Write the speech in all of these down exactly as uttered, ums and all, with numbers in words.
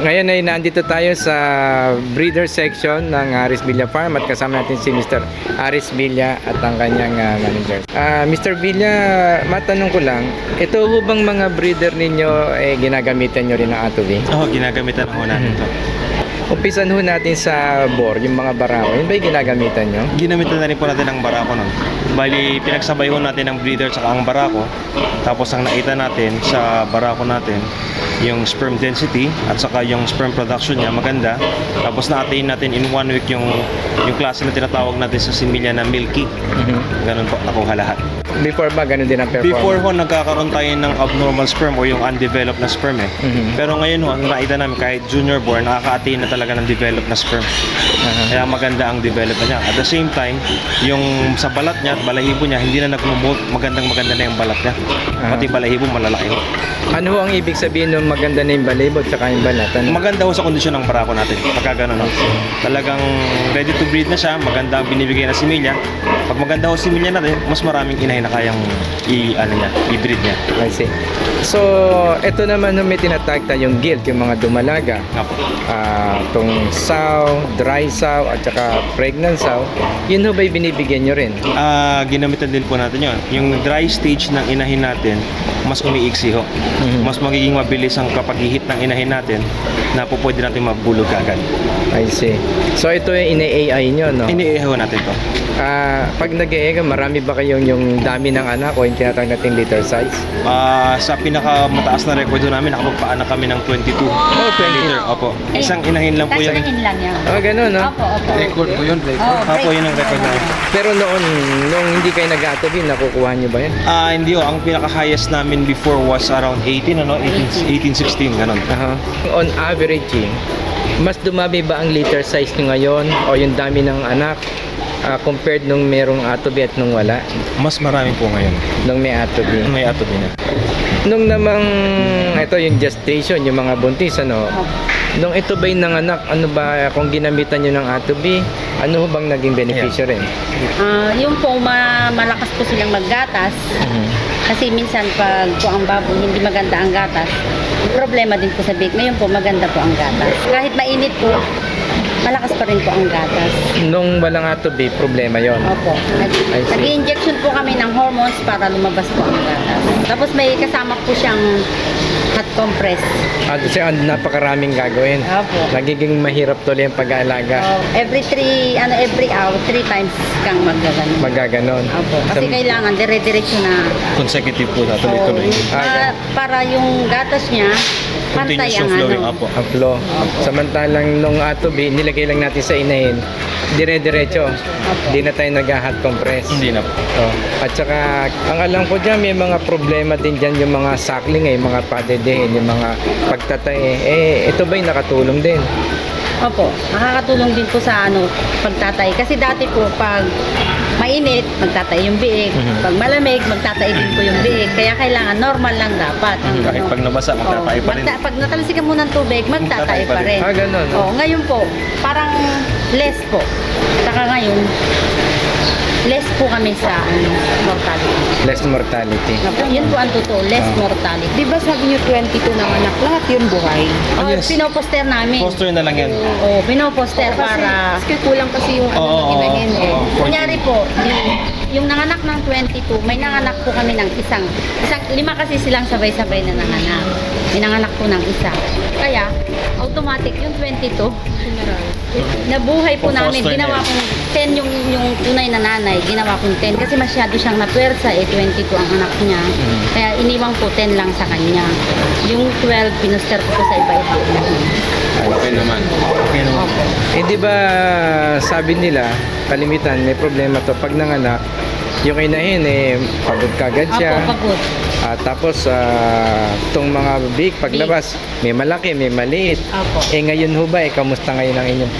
Ngayon ay nandito tayo sa breeder section ng Aris Villa Farm at kasama natin si Mister Aris Villa at ang kanyang uh, manager. Uh, Mister Villa, matanong ko lang, ito ho bang mga breeder ninyo eh, ginagamitan nyo rin ng Atobi? Oo, oh, ginagamitan ho natin ito. Umpisan ho natin sa bore, yung mga barako. Yun ba yung ginagamitan nyo? Ginamitan na rin po natin ang barako nun. Bali, pinagsabay ho natin ang breeder sa ang barako. Tapos ang nakita natin sa barako natin, yung sperm density at saka yung sperm production niya maganda. Tapos na-attain natin in one week yung yung klase na tinatawag natin sa similya na milky. Mm-hmm. Ganun po, nakuha lahat. Before ba, ganun din ang performance? Before ho, nagkakaroon tayo ng abnormal sperm o yung undeveloped na sperm eh. Mm-hmm. Pero ngayon ho, ang nakita namin kahit junior born, nakaka-attain na talaga ng developed na sperm. Uh-huh. Kaya maganda ang development niya. At the same time, yung sa balat niya at balahibo niya, hindi na nag-molt, magandang maganda na yung balat niya. Uh-huh. Pati balahibo, malalaki ho. Ano ho ang ibig sabihin ng maganda na yung balahibo at saka yung balat? Ano? Maganda ho sa kondisyon ng barako natin. Pagka gano'n ho. Talagang ready to breed na siya, maganda ang binibigay na similya. Pag maganda ho similya natin, mas maraming inahin na kayang i, ano niya, i-breed niya. I see. So, ito naman no, may tinatag tayong gilt, yung mga dumalaga. Apo. Uh, itong sow, dry sow, at saka pregnant sow. Yun ho ba'y binibigyan nyo rin? Ah, ginamitan din po natin yun. Yung dry stage ng inahin natin, mas umiiksi ho. Mm-hmm. Mas magiging mabilis ang kapag-ihit ng inahin natin na po pwede natin mabulog agad. I see. So, ito yung ina-A I nyo, no? Ini-A I ho natin to. Uh, pag nag-A I ka, marami ba kayong yung dami ng anak o yung tinatawag nating litter size? Ah, sa pinakamataas na record namin, nakapagpaanak kami ng twenty-two Oh, twenty. liter. Opo. Isang inahin lang po Isang yun. inahin lang yan. Oh, ganun, no? Opo, opo. Record po yun, record. Oh, Opo, yun ang record namin. Pero noon, nung hindi kayo nag-atobi, nakukuha nyo ba yan? Ah, hindi ho. Ang pinaka-highest namin before was around eighteen, ano? eighteen, eighteen sixteen, ganun. Uh-huh. On average, mas dumami ba ang litter size nyo ngayon o yung dami ng anak uh, compared nung merong atobi at nung wala? Mas marami po ngayon. Nung may atobi. May atobi na. Nung namang, ito yung gestation, yung mga buntis, ano? Nung ito ba'y nanganak, ano ba, kung ginamitan nyo ng atobi, ano bang naging beneficyo rin? Ah, yung po, ma malakas po silang maggatas. Mhm. Kasi minsan pag po ang baboy hindi maganda ang gatas, problema din po sa bake. Ngayon po maganda po ang gatas. Kahit mainit po, malakas pa rin po ang gatas. Nung walang atobi, problema yon. Opo. I see. Nag-injection po kami ng hormones para lumabas po ang gatas. Tapos may kasama po siyang hot compress. At kasi ah, napakaraming gagawin. Opo. Nagiging mahirap tuloy ang pag-aalaga. Oh, every three, ano, every hour, three times kang magaganon. Magaganon. Opo. Kasi Sa- kailangan dire-diretso na. Consecutive po na, tuloy-tuloy. Oo, Ah, para, para yung gatas niya, pantay Continuous ang yung flowing. ano. Apo. ang flow. Samantalang nung atobi, nilagay lang natin sa inahin, dire-diretso. Hindi na tayo nag-hot compress. Hindi na po. Oh. At saka, ang alam ko dyan, may mga problema din dyan yung mga suckling, eh, mga padedehin, yung mga pagtatae. Eh, ito ba'y nakatulong din? Opo, nakakatulong din po sa ano, pagtatay. Kasi dati po, pag mainit, magtatay yung biig. Mhm. Pag malamig, magtatay din po yung biig. Kaya kailangan normal lang dapat. ang Kahit ano. pag nabasa, magtatay Oo, pa rin. magta- pag natalsikan mo ng tubig, magtatay pa rin. Ah, ganun. Oo, ngayon po, parang less po. Saka ngayon, less po kami sa ano, mortality. Less mortality. Opo, yun po ang totoo, less Ah. mortality. Di ba sabi niyo twenty-two ng anak, lahat yun buhay? Ah, Oh, yes. pinoposter namin. Poster na lang yan. Oo, pinoposter Kasi, para... kasi kulang kasi yung ano Oo, ng inahin eh. oo. Kunyari po, di- yung nanganak ng twenty-two, may nanganak po kami ng isang, isang lima kasi silang sabay-sabay na nanganak. May nanganak po ng isa. Kaya, automatic yung twenty-two, nabuhay po namin. Foster Ginawa na kong ten yung, yung tunay na nanay. Ginawa kong ten kasi masyado siyang napwersa eh, twenty-two ang anak niya. Kaya iniwang po ten lang sa kanya. Yung twelve, pinuster ko po sa iba-iba. Okay naman. Okay naman. Eh, di ba sabi nila, kalimitan, may problema to pag nanganak, yung inahin, eh, pagod kagad siya. Ako, pagod. Ah, tapos, ah, itong mga big, paglabas, may malaki, may maliit. Opo. Eh, ngayon ho ba, eh, kamusta ngayon ang inyong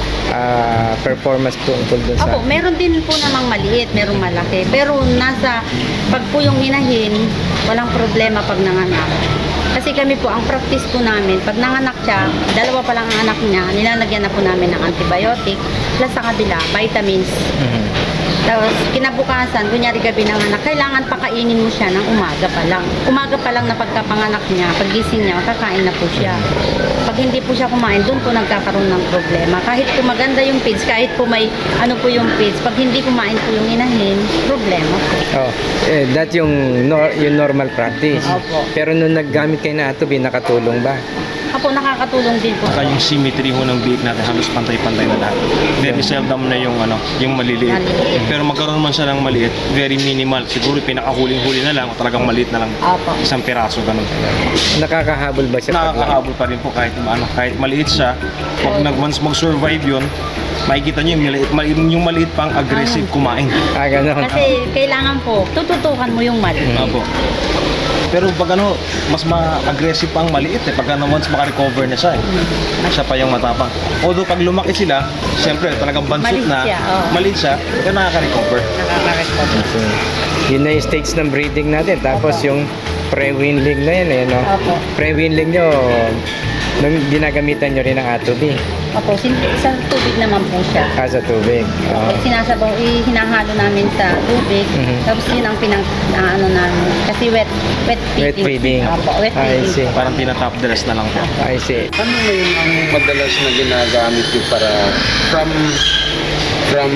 ah, performance tungkol dun sa... Opo, meron din po namang maliit, merong malaki. Pero nasa, pag po yung inahin, walang problema pag nanganak. Kasi kami po, ang practice po namin, pag nanganak siya, dalawa pa lang ang anak niya, nilalagyan na po namin ng antibiotic, plus sa kabila, vitamins. Mhm. Tapos kinabukasan, kunyari gabi ng anak, kailangan pakainin mo siya ng umaga pa lang. Umaga pa lang na pagkapanganak niya, paggising niya, kakain na po siya. Pag hindi po siya kumain, doon po nagkakaroon ng problema. Kahit po maganda yung feeds, kahit po may ano po yung feeds, pag hindi kumain po yung inahin, problema po. Oh, eh, that yung, nor- yung normal practice. Opo. Pero nung naggamit kayo na atubi, nakatulong ba? Apo, nakakatulong din po. Saka yung symmetry ho ng biik natin halos pantay-pantay na lahat. Very seldom na yung ano, yung maliliit. Maliliit. Pero magkaroon man siya ng maliit, very minimal. Siguro pinakahuling-huli na lang o talagang maliit na lang. Apo. Isang piraso ganun. Nakakahabol ba siya? pag- Nakakahabol pa rin po kahit ano, kahit maliit siya. Pag nag once mag-survive yun, makikita niyo yung maliit, maliit, yung maliit pang aggressive kumain. Ah, ganun. Kasi kailangan po, tututukan mo yung mali. Apo. Pero pag ano, mas ma-aggressive pang maliit eh. Pag ano, once makarecover na siya eh. Siya pa yung matapang. Although pag lumaki sila, siyempre talagang bansot Maliit na, siya, oo. maliit siya, pero nakaka-recover. Nakaka-recover. So, yun na yung stage ng breeding natin. Tapos Opo. yung pre-winling na yun eh, no? Opo. Pre-winling nyo, nung ginagamitan nyo rin ng atubi. Opo, sin- sa tubig naman po siya. Ah, sa tubig. Opo, Oh. sinasabaw, eh, hinahalo namin sa tubig. Mhm. Tapos yun ang pinang, na, ano namin. Kasi wet, wet feeding. Wet feeding. Opo, wet I feeding. see. Parang tinatop dress na lang po. I see. Ano ngayon ang madalas na ginagamit nyo para from from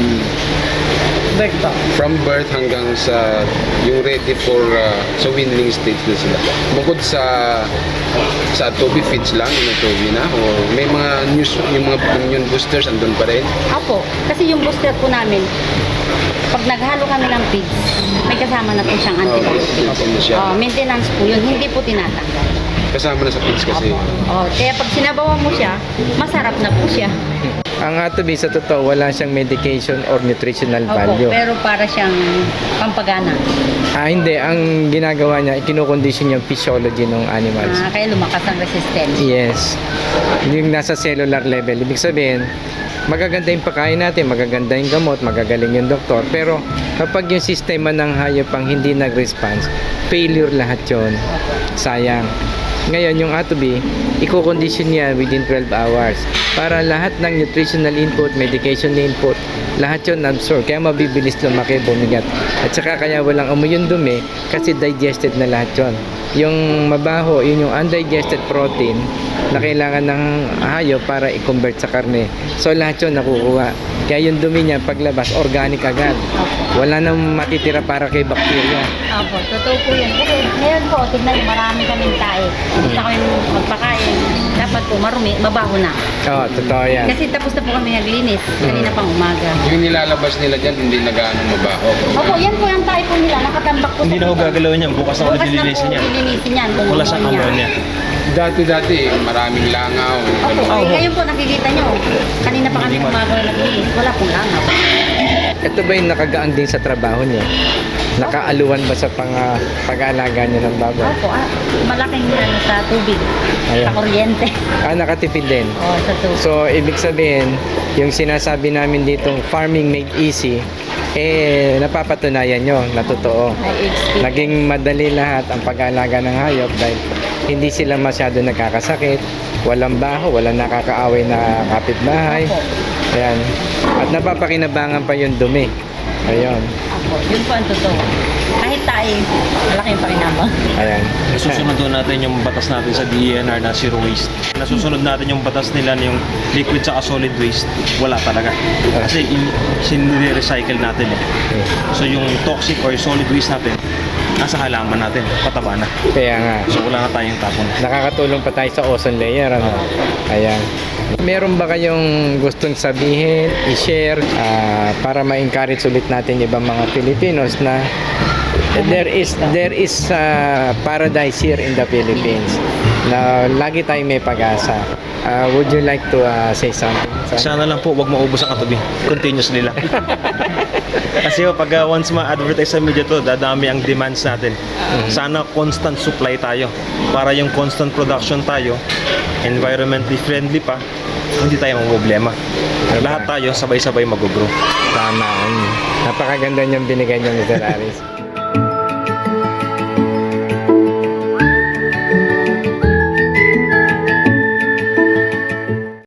Bird po. from birth hanggang sa yung ready for uh, sa weanling stage na sila? Bukod sa sa Toby feeds lang, yung Toby na, o may mga news, yung mga immune boosters andun pa rin? Opo, kasi yung booster po namin, pag naghalo kami ng feeds, may kasama na po siyang Oh, antibiotic. feeds na siya. Oh, maintenance po yun, hindi po tinatanggal. Kasama na sa feeds kasi. Oh, kaya pag sinabawan mo siya, masarap na po siya. Ang atubi sa totoo, wala siyang medication or nutritional Opo, value. pero para siyang pampagana. Ah, hindi. Ang ginagawa niya, kinokondisyon yung physiology ng animals. Ah, kaya lumakas ang resistance. Yes. Yung nasa cellular level. Ibig sabihin, magaganda yung pagkain natin, magaganda yung gamot, magagaling yung doktor. Pero kapag yung sistema ng hayop ang hindi nag-response, failure lahat yon. Sayang. Ngayon, yung atubi, i-condition niya within twelve hours para lahat ng nutritional input, medication input, lahat yun absorb. Kaya mabibilis lumaki, bumigat. At saka kaya walang amoy yung dumi kasi digested na lahat yun. Yung mabaho, yun yung undigested protein na kailangan ng hayop para i-convert sa karne. So lahat yun nakukuha. Kaya yung dumi niya paglabas, organic agad. Wala nang matitira para kay bakterya. Opo, totoo po yun. Kasi ngayon po, tignan, marami kaming tae. Gusto kami magpakain. Dapat po marumi, mabaho na. Oo, totoo yan. Kasi tapos na po kami naglinis. Kanina pang umaga. Yung nilalabas nila dyan, hindi na gaano mabaho. Opo, yan po yung tae po nila. Nakatambak po Hindi na ho dito. gagalawin yan. Bukas na ulit Bukas na po lilinisin yan. lilinisin yan. Wala siyang Niya. ammonia. Dati-dati, maraming langaw. Opo, Oo. eh, ngayon po nakikita nyo. Kanina pa kami Hindi man. umaga na naglinis. Wala pong langaw. Ito ba yung nakagaang din sa trabaho niyo? Nakaaluwan ba sa pang, ah, pag-aalaga niyo ng baboy? Opo, ah, malaking ano sa tubig. Ayan. Sa kuryente. Ah, nakatipid din. Oo, sa tubig. So, ibig sabihin, yung sinasabi namin ditong farming made easy, eh, napapatunayan nyo na totoo. Ay, experience. Naging madali lahat ang pag-aalaga ng hayop dahil hindi sila masyado nagkakasakit, walang baho, walang nakakaaway na kapitbahay. Opo. Ayan. At napapakinabangan pa yung dumi. Ayun. Opo, yun po ang totoo. Kahit tayo, malaki yung pakinabang. Ayan. Nasusunod doon natin yung batas natin sa D E N R na zero waste. Nasusunod natin yung batas nila na yung liquid sa solid waste. Wala talaga. Kasi in- sinire-recycle natin eh. So yung toxic or solid waste natin, nasa halaman natin, pataba na. Kaya nga. So wala na tayong tapon. Nakakatulong pa tayo sa ozone layer, ano? Ayan. Meron ba kayong gustong sabihin, i-share ah, para ma-encourage ulit natin yung ibang mga Filipinos na there is there is ah, paradise here in the Philippines na lagi tayong may pag-asa. Ah, would you like to ah, say something? Sana lang po, wag maubos ang katabi. Continuously lang. Kasi oh, pag uh, once ma-advertise sa media to, dadami ang demands natin. Sana constant supply tayo. Para yung constant production tayo, environmentally friendly pa, hindi tayo problema. Lahat tayo sabay-sabay mag-grow. Tama. Napakaganda niyang binigay niyo, mister Aris.